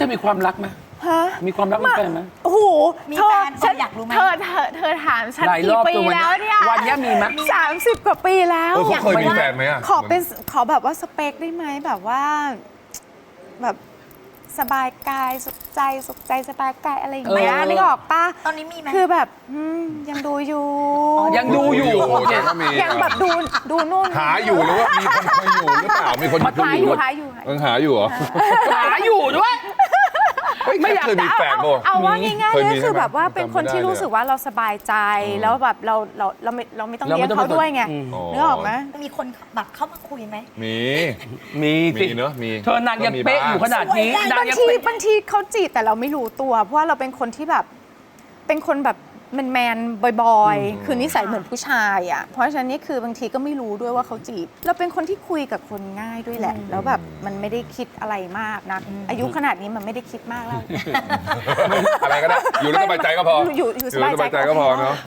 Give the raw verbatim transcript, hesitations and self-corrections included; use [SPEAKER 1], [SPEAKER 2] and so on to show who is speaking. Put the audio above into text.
[SPEAKER 1] อมีความรักไหม
[SPEAKER 2] ฮะ
[SPEAKER 1] มีความรักมีแฟนไหม
[SPEAKER 2] โอ้โห
[SPEAKER 3] มีแฟนฉันอยากรู้ไหม
[SPEAKER 2] เธอเธอเธอถามฉัน
[SPEAKER 1] หลายร
[SPEAKER 2] กี่
[SPEAKER 1] อบ
[SPEAKER 2] ปี
[SPEAKER 1] ตัววัน
[SPEAKER 2] แล้วเนี่ย
[SPEAKER 1] วันนี้มีไหม
[SPEAKER 2] สามสิบกว่าปีแล้ว
[SPEAKER 4] เออเขาเคยมีแฟนไหมอ่ะ
[SPEAKER 2] ขอเป็นขอแบบว่าสเปคได้ไหมแบบว่าแบบสบายกายสุขใจสุขใจสบายกายอะไรอย่างเงี้ย
[SPEAKER 1] เออ
[SPEAKER 2] นึกออกปะ
[SPEAKER 3] ตอนนี้มีไหม
[SPEAKER 2] คือแบบอืมยังดูอยู่
[SPEAKER 1] ยังดูอยู่
[SPEAKER 4] โอเคก็มี
[SPEAKER 2] ยังแบบดูดูนู่น
[SPEAKER 4] หาอยู่หรือว่ามีคนคุยอยู่หรือเปล่ามีคน
[SPEAKER 1] มา
[SPEAKER 4] คุ
[SPEAKER 2] หาย
[SPEAKER 4] อ
[SPEAKER 2] อยู่
[SPEAKER 4] ยู่
[SPEAKER 2] หาอยู่หาอยู่
[SPEAKER 4] ยังหาอยู่เหรอ
[SPEAKER 1] หาอยู่ด้วย
[SPEAKER 4] เฮ้ย
[SPEAKER 1] ไม่อยาก
[SPEAKER 4] เคยมีแฟน
[SPEAKER 2] เอา
[SPEAKER 4] บ่
[SPEAKER 2] เอาว่าง่าย
[SPEAKER 4] เคย
[SPEAKER 2] ๆ
[SPEAKER 4] มี
[SPEAKER 2] ก็คือ
[SPEAKER 4] ใช่ไหม
[SPEAKER 2] แบบว่าเป็นคนที่
[SPEAKER 4] จำไม่ได้
[SPEAKER 2] รู้สึกว่าเราสบายใจแล้วแบบเราเราเราไม่เราไม่ต้อง
[SPEAKER 1] เรา
[SPEAKER 2] เลี้
[SPEAKER 1] ไม่
[SPEAKER 2] ยง
[SPEAKER 1] ต้อง
[SPEAKER 2] เขาด้วยไง
[SPEAKER 1] อืม
[SPEAKER 2] นึกออกไหม
[SPEAKER 3] มีคนแบบเข้ามาคุยไหม
[SPEAKER 4] มี
[SPEAKER 1] มีสิ
[SPEAKER 4] มีเนอะมี
[SPEAKER 1] เธอนางยังเป๊ะอยู่ขนาดนี้
[SPEAKER 3] สวย
[SPEAKER 1] นาง
[SPEAKER 2] บาง
[SPEAKER 1] ยัง
[SPEAKER 2] ที
[SPEAKER 1] เป๊ะ
[SPEAKER 2] บางทีเขาจีบแต่เราไม่รู้ตัว เพราะว่าเราเป็นคนที่แบบเป็นคนแบบแมนแมนๆบอยๆ คือนิสัยเหมือนผู้ชายอ่ะเพราะฉะนั้นนี่คือบางทีก็ไม่รู้ด้วยว่าเขาจีบ เราเป็นคนที่คุยกับคนง่ายด้วยแหละ แล้วแบบมันไม่ได้คิดอะไรมากนะอายุขนาดนี้มันไม่ได้คิดมากแล้ว
[SPEAKER 4] อะไรก็ได้อยู่แล้วสบายใจก็พอ
[SPEAKER 2] อยู่อยู่สบายใจ
[SPEAKER 4] ก็พอเนาะ